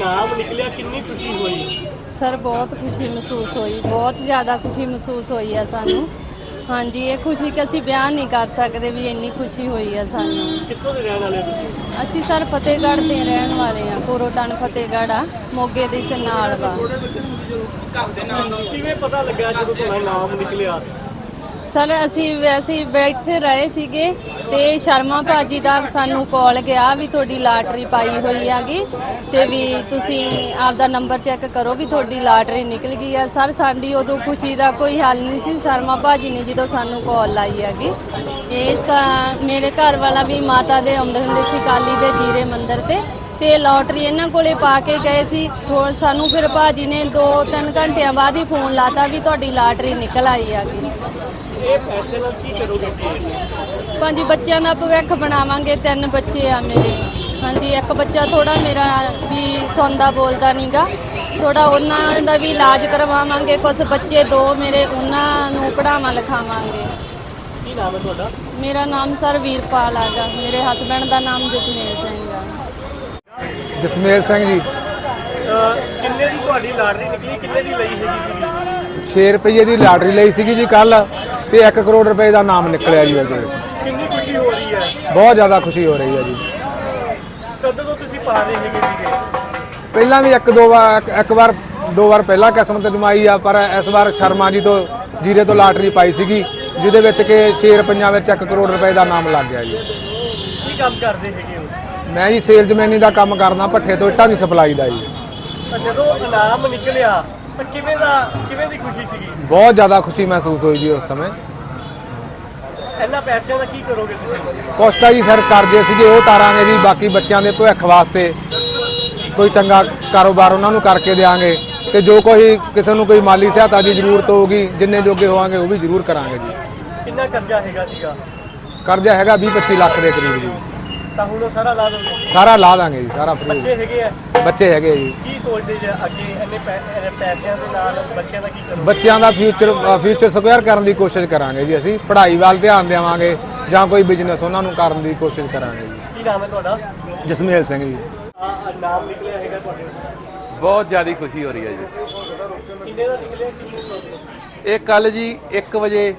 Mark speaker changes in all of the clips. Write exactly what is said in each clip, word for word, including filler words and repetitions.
Speaker 1: ਨਾਮ ਨਿਕਲਿਆ ਕਿੰਨੀ ਖੁਸ਼ੀ ਹੋਈ?
Speaker 2: सर बहुत खुशी महसूस हुई, बहुत ज़्यादा खुशी महसूस हुई है सानू। हाँ जी, ये खुशी कि असी बयान नहीं कर सकते भी इन्नी खुशी हुई है सानू।
Speaker 1: कित्थों दे रहण वाले तुसीं?
Speaker 2: असी सर फतेहगढ़ दे रहण वाले हाँ, कोरोटन फतेहगढ़ आ, मोगे दे से नाल वा।
Speaker 1: किवें पता लग्या जदों तुहाडा नाम निकलिया?
Speaker 2: सर असी वैसे ही बैठे रहे सीगे ते शर्मा भाजी दा सानू कॉल गया भी थोड़ी लाटरी पाई हुई हैगी ते भी तुसी आपदा नंबर चेक करो भी थोड़ी लाटरी निकल गई है। सर साडी उदों खुशी दा कोई हल नहीं सी, शर्मा भाजी ने जो सानू कॉल लाई हैगी। इस मेरे घर वाला भी माता दे आउंदे हुंदे सी काली दे जीरे मंदिर ते ते लॉटरी इन्हां कोले पा के गए सी। थोड़ा सानू फिर भाजी ने दो तीन घंटियां बाद ही फोन लाता भी तुहाडी लाटरी निकल आई हैगी।
Speaker 1: ਇਹ ਪੈਸੇ ਨਾਲ ਕੀ ਕਰੋਗੇ?
Speaker 2: ਪੰਜ ਬੱਚਿਆਂ ਦਾ ਭਵਿੱਖ ਬਣਾਵਾਂਗੇ। ਤਿੰਨ ਬੱਚੇ ਆ ਮੇਰੇ। ਹਾਂਜੀ, ਇੱਕ ਬੱਚਾ ਥੋੜਾ ਮੇਰਾ ਵੀ ਸੌਂਦਾ ਬੋਲਦਾ ਨਹੀਂਗਾ, ਥੋੜਾ ਉਹਨਾਂ ਦਾ ਵੀ ਇਲਾਜ ਕਰਵਾਵਾਂਗੇ। ਕੁਝ ਬੱਚੇ ਦੋ ਮੇਰੇ ਉਹਨਾਂ ਨੂੰ ਪੜ੍ਹਾਵਾਂ ਲਿਖਾਵਾਂਗੇ।
Speaker 1: ਕੀ ਨਾਮ ਹੈ ਤੁਹਾਡਾ?
Speaker 2: ਮੇਰਾ ਨਾਮ ਸਰ ਵੀਰਪਾਲ ਹੈਗਾ, ਮੇਰੇ ਹਸਬੈਂਡ ਦਾ ਨਾਮ ਜਸਮੇਲ ਸਿੰਘ ਆ।
Speaker 3: ਜਸਮੇਲ ਸਿੰਘ ਜੀ।
Speaker 1: ਕਿੰਨੇ ਦੀ ਤੁਹਾਡੀ ਲਾਟਰੀ ਨਿਕਲੀ? ਕਿੰਨੇ ਦੀ ਲਈ ਹੈਗੀ ਸੀਗੀ?
Speaker 3: ਛੇ ਰੁਪਏ ਦੀ ਲਾਟਰੀ ਲਈ ਸੀਗੀ ਜੀ ਕੱਲ ਤੇ ਇੱਕ ਕਰੋੜ ਰੁਪਏ ਦਾ ਨਾਮ ਨਿਕਲਿਆ ਜੀ ਉਹਦੇ ਵਿੱਚ।
Speaker 1: ਕਿੰਨੀ ਖੁਸ਼ੀ ਹੋ ਰਹੀ ਹੈ?
Speaker 3: ਬਹੁਤ ਜ਼ਿਆਦਾ ਖੁਸ਼ੀ ਹੋ ਰਹੀ ਹੈ ਜੀ।
Speaker 1: ਕਦੋਂ ਤੋਂ ਤੁਸੀਂ ਪਾ ਰਹੇ ਹੈਗੇ ਸੀਗੇ?
Speaker 3: ਪਹਿਲਾਂ ਵੀ ਇੱਕ ਦੋ ਵਾਰ ਇੱਕ ਵਾਰ ਦੋ ਵਾਰ ਪਹਿਲਾਂ ਕਿਸਮਤ ਜਮਾਈ ਆ, ਪਰ ਇਸ ਵਾਰ ਸ਼ਰਮਾ ਜੀ ਤੋਂ ਜੀਰੇ ਤੋਂ ਲਾਟਰੀ ਪਾਈ ਸੀਗੀ ਜਿਹਦੇ ਵਿੱਚ ਕਿ ਛੇ ਰੁਪਈਆਂ ਵਿੱਚ ਇੱਕ ਕਰੋੜ ਰੁਪਏ ਦਾ ਨਾਮ ਲੱਗ ਗਿਆ ਜੀ।
Speaker 1: ਕੀ ਕੰਮ ਕਰਦੇ ਹੈਗੇ ਹੋ?
Speaker 3: ਮੈਂ ਜੀ ਸੇਲਜ਼ਮੈਨੀ ਦਾ ਕੰਮ ਕਰਦਾ, ਭੱਠੇ ਤੋਂ ਇੱਟਾਂ ਦੀ ਸਪਲਾਈ ਦਾ ਜੀ।
Speaker 1: ਤਾਂ ਜਦੋਂ ਇਨਾਮ ਨਿਕਲਿਆ ਤਾਂ ਕਿਵੇਂ ਦਾ ਕਿਵੇਂ ਦੀ ਖੁਸ਼ੀ ਸੀਗੀ?
Speaker 3: ਬਹੁਤ ਜ਼ਿਆਦਾ ਖੁਸ਼ੀ ਮਹਿਸੂਸ ਹੋਈ ਜੀ ਉਸ ਸਮੇਂ।
Speaker 1: ਇਹਨਾਂ ਪੈਸਿਆਂ ਦਾ ਕੀ ਕਰੋਗੇ ਤੁਸੀਂ?
Speaker 3: ਕੁਛ ਤਾਂ ਜੀ ਸਰ ਕਰਜ਼ੇ ਸੀਗੇ ਉਹ ਤਾਰਾਂਗੇ ਜੀ, ਬਾਕੀ ਬੱਚਿਆਂ ਦੇ ਭਵਿੱਖ ਵਾਸਤੇ ਕੋਈ ਚੰਗਾ ਕਾਰੋਬਾਰ ਉਹਨਾਂ ਨੂੰ ਕਰਕੇ ਦੇਵਾਂਗੇ ਤੇ ਜੋ ਕੋਈ ਕਿਸੇ ਨੂੰ ਕੋਈ ਮਾਲੀ ਸਹਾਇਤਾ ਦੀ ਜ਼ਰੂਰਤ ਹੋਊਗੀ ਜਿੰਨੇ ਜੋਗੇ ਹੋਵਾਂਗੇ ਉਹ ਵੀ ਜ਼ਰੂਰ ਕਰਾਂਗੇ ਜੀ।
Speaker 1: ਕਿੰਨਾ ਕਰਜ਼ਾ ਹੈਗਾ ਸੀਗਾ?
Speaker 3: ਕਰਜ਼ਾ ਹੈਗਾ ਵੀਹ ਪੱਚੀ ਲੱਖ ਦੇ ਕਰੀਬ ਜੀ।
Speaker 1: ਤਾਂ ਹੁਣ ਉਹ ਸਾਰਾ ਲਾ ਦੋਗੇ?
Speaker 3: ਸਾਰਾ ਲਾ ਦਾਂਗੇ ਜੀ, ਸਾਰਾ ਫ੍ਰੀ।
Speaker 1: ਬੱਚੇ ਹੈਗੇ ਆ?
Speaker 3: ਬੱਚੇ ਹੈਗੇ ਜੀ।
Speaker 1: ਕੀ ਸੋਚਦੇ ਜੇ ਅੱਗੇ ਇੰਨੇ ਪੈ- ਇੰਨੇ ਪੈਸਿਆਂ ਦੇ ਨਾਲ ਬੱਚਿਆਂ ਦਾ ਕੀ ਕਰੋਗੇ?
Speaker 3: ਬੱਚਿਆਂ ਦਾ ਫਿਊਚਰ ਫਿਊਚਰ ਸਕੁਅਰ ਕਰਨ ਦੀ ਕੋਸ਼ਿਸ਼ ਕਰਾਂਗੇ ਜੀ। ਅਸੀਂ ਪੜ੍ਹਾਈ ਵੱਲ ਧਿਆਨ ਦੇਵਾਂਗੇ ਜਾਂ ਕੋਈ ਬਿਜ਼ਨਸ ਉਹਨਾਂ ਨੂੰ ਕਰਨ ਦੀ ਕੋਸ਼ਿਸ਼ ਕਰਾਂਗੇ ਜੀ।
Speaker 1: ਕੀ ਨਾਮ ਹੈ ਤੁਹਾਡਾ?
Speaker 3: ਜਸਮੇਲ ਸਿੰਘ ਜੀ।
Speaker 1: ਆ ਨਾਮ ਨਿਕਲਿਆ ਹੈਗਾ ਤੁਹਾਡੇ?
Speaker 4: ਬਹੁਤ ਜ਼ਿਆਦਾ ਖੁਸ਼ੀ ਹੋ ਰਹੀ ਹੈ ਜੀ।
Speaker 1: ਕਿੰਨੇ ਦਾ ਨਿਕਲਿਆ? ਕਿੰਨੇ?
Speaker 4: ਇਹ ਕੱਲ ਜੀ ਇੱਕ ਵਜੇ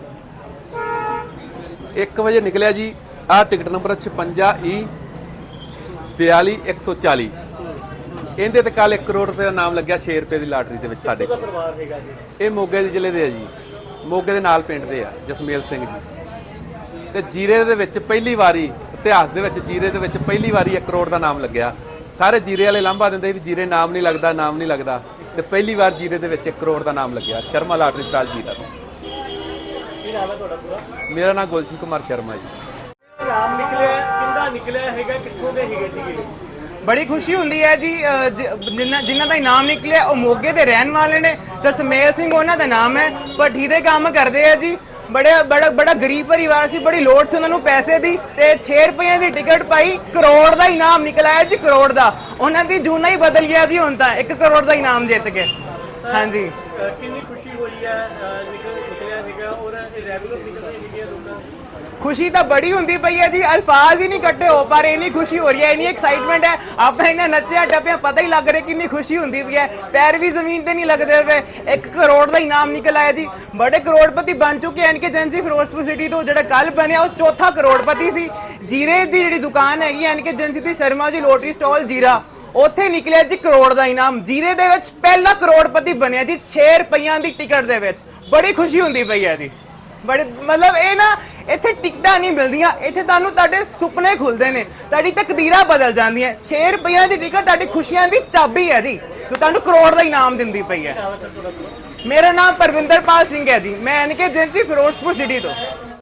Speaker 4: ਇੱਕ ਵਜੇ ਨਿਕਲਿਆ ਜੀ। ਆਹ ਟਿਕਟ ਨੰਬਰ ਛਪੰਜਾ ਈ ਬਿਆਲੀ ਇੱਕ ਸੌ ਚਾਲੀ। ਇਹਦੇ ਤੇ ਕੱਲ ਇੱਕ ਕਰੋੜ ਰੁਪਏ ਦਾ ਨਾਮ ਲੱਗਿਆ ਛੇ ਰੁਪਏ ਦੀ ਲਾਟਰੀ ਦੇ ਵਿੱਚ ਸਾਡੇ
Speaker 1: ਕਿਹਦਾ
Speaker 4: ਕੋਲ।
Speaker 1: ਪਰਿਵਾਰ ਹੈਗਾ ਜੀ?
Speaker 4: ਇਹ ਮੋਗੇ ਦੇ ਜ਼ਿਲ੍ਹੇ ਦੇ ਆ ਜੀ, ਮੋਗੇ ਦੇ ਨਾਲ ਪਿੰਡ ਦੇ ਆ, ਜਸਮੇਲ ਸਿੰਘ ਜੀ। ਤੇ ਜੀਰੇ ਦੇ ਵਿੱਚ ਪਹਿਲੀ ਵਾਰੀ ਇਤਿਹਾਸ ਦੇ ਵਿੱਚ ਜੀਰੇ ਦੇ ਵਿੱਚ ਪਹਿਲੀ ਵਾਰੀ ਇੱਕ ਕਰੋੜ ਦਾ ਨਾਮ ਲੱਗਿਆ। ਸਾਰੇ ਜੀਰੇ ਵਾਲੇ ਲਾਂਭਾ ਦਿੰਦੇ ਵੀ ਜੀਰੇ ਨਾਮ ਨਹੀਂ ਲੱਗਦਾ, ਨਾਮ ਨਹੀਂ ਲੱਗਦਾ, ਤੇ ਪਹਿਲੀ ਵਾਰ ਜੀਰੇ ਦੇ ਵਿੱਚ ਇੱਕ ਕਰੋੜ ਦਾ ਨਾਮ ਲੱਗਿਆ ਸ਼ਰਮਾ ਲਾਟਰੀ ਸਟਾਲ ਜੀਰਾ ਤੋਂ।
Speaker 1: ਕੀ ਨਾਮ ਹੈ ਤੁਹਾਡਾ ਪੂਰਾ?
Speaker 4: ਮੇਰਾ ਨਾਮ ਗੁਲਸ਼ਨ ਕੁਮਾਰ ਸ਼ਰਮਾ ਜੀ।
Speaker 1: ਨਾਮ ਨਿਕਲਿਆ ਕਿੰਦਾ ਨਿਕਲਿਆ ਹੈਗਾ? ਕਿੱਥੋਂ ਦੇ ਹੈਗੇ ਸੀਗੇ?
Speaker 5: ਬੜੀ ਖੁਸ਼ੀ ਹੁੰਦੀ ਹੈ ਜੀ। ਅ, ਜ- ਜਿਨ੍ਹਾਂ ਜਿਨ੍ਹਾਂ ਦਾ ਇਨਾਮ ਨਿਕਲਿਆ ਉਹ ਮੋਗੇ ਦੇ ਰਹਿਣ ਵਾਲੇ ਨੇ। ਜਸਮੇਲ ਸਿੰਘ ਉਹਨਾਂ ਦਾ ਨਾਮ ਹੈ, ਭੱਠੀ ਦੇ ਕੰਮ ਕਰਦੇ ਆ ਜੀ। ਬੜੇ ਬੜਾ ਬੜਾ ਗਰੀਬ ਪਰਿਵਾਰ ਸੀ, ਬੜੀ ਲੋੜ ਸੀ ਉਹਨਾਂ ਨੂੰ ਪੈਸੇ ਦੀ ਤੇ ਛੇ ਰੁਪਏ ਦੀ ਟਿਕਟ ਪਾਈ, ਕਰੋੜ ਦਾ ਇਨਾਮ ਨਿਕਲਿਆ ਜੀ, ਕਰੋੜ ਦਾ। ਉਹਨਾਂ ਦੀ ਜੂਨਾ ਹੀ ਬਦਲ ਗਿਆ ਜੀ ਹੁਣ ਤਾਂ, ਇੱਕ ਕਰੋੜ ਦਾ ਇਨਾਮ ਜਿੱਤ ਕੇ। ਹਾਂਜੀ,
Speaker 1: ਅ, ਕਿੰਨੀ ਖੁਸ਼ੀ ਹੋਈ ਹੈ? ਅ, ਨਿਕਲ ਨਿਕਲਿਆ ਹੈਗਾ ਔਰ ਇਹ ਰੈਗੂਲਰ ਨਿਕਲਦੀ ਹੈਗੀ ਲੋਕਾਂ ਨੂੰ?
Speaker 5: ਖੁਸ਼ੀ ਤਾਂ ਬੜੀ ਹੁੰਦੀ ਪਈ ਹੈ ਜੀ, ਅਲਫਾਜ਼ ਹੀ ਨਹੀਂ ਕੱਢੇ ਹੋ ਪਾ ਰਹੇ। ਇੰਨੀ ਖੁਸ਼ੀ ਹੋ ਰਹੀ ਹੈ, ਇੰਨੀ ਐਕਸਾਈਟਮੈਂਟ ਹੈ। ਆਪਾਂ ਇਹਨਾਂ ਨੱਚਿਆ ਟੱਪਿਆ ਪਤਾ ਹੀ ਲੱਗ ਰਿਹਾ ਕਿੰਨੀ ਖੁਸ਼ੀ ਹੁੰਦੀ ਪਈ ਹੈ। ਪੈਰ ਵੀ ਜ਼ਮੀਨ ਤੇ ਨਹੀਂ ਲੱਗਦੇ ਪਏ। ਇੱਕ ਕਰੋੜ ਦਾ ਇਨਾਮ ਨਿਕਲ ਆਇਆ ਜੀ। ਬੜੇ ਕਰੋੜਪਤੀ ਬਣ ਚੁੱਕੇ N K agency Firozpur city ਤੋਂ। ਜਿਹੜਾ ਕੱਲ ਬਣਿਆ ਉਹ ਚੌਥਾ ਕਰੋੜਪਤੀ ਸੀ। ਜੀਰੇ ਦੀ ਜਿਹੜੀ ਦੁਕਾਨ ਹੈਗੀ ਐਨ ਕੇ ਏਜੰਸੀ ਦੀ, ਸ਼ਰਮਾ ਜੀ ਲੋਟਰੀ ਸਟਾਲ ਜੀਰਾ, ਉੱਥੇ ਨਿਕਲਿਆ ਜੀ ਕਰੋੜ ਦਾ ਇਨਾਮ। ਜੀਰੇ ਦੇ ਵਿੱਚ ਪਹਿਲਾ ਕਰੋੜਪਤੀ ਬਣਿਆ ਜੀ ਛੇ ਰੁਪਈਆਂ ਦੀ ਟਿਕਟ ਦੇ ਵਿੱਚ। ਬੜੀ ਖੁਸ਼ੀ ਹੁੰਦੀ ਪਈ ਹੈ ਜੀ। ਬੜੇ ਮਤਲਬ ਇਹ ਨਾ ਇੱਥੇ ਟਿਕਟਾਂ ਨਹੀਂ ਮਿਲਦੀਆਂ, ਇੱਥੇ ਤੁਹਾਨੂੰ ਤੁਹਾਡੇ ਸੁਪਨੇ ਖੁੱਲਦੇ ਨੇ, ਤੁਹਾਡੀ ਤਕਦੀਰਾਂ ਬਦਲ ਜਾਂਦੀਆਂ। ਛੇ ਰੁਪਈਆਂ ਦੀ ਟਿਕਟ ਤੁਹਾਡੀ ਖੁਸ਼ੀਆਂ ਦੀ ਚਾਬੀ ਹੈ ਜੀ, ਜੋ ਤੁਹਾਨੂੰ ਕਰੋੜ ਦਾ ਇਨਾਮ ਦਿੰਦੀ ਪਈ ਹੈ। ਮੇਰਾ ਨਾਮ ਪਰਵਿੰਦਰਪਾਲ ਸਿੰਘ ਹੈ ਜੀ, ਮੈਂ N K agency Firozpur city ਤੋਂ।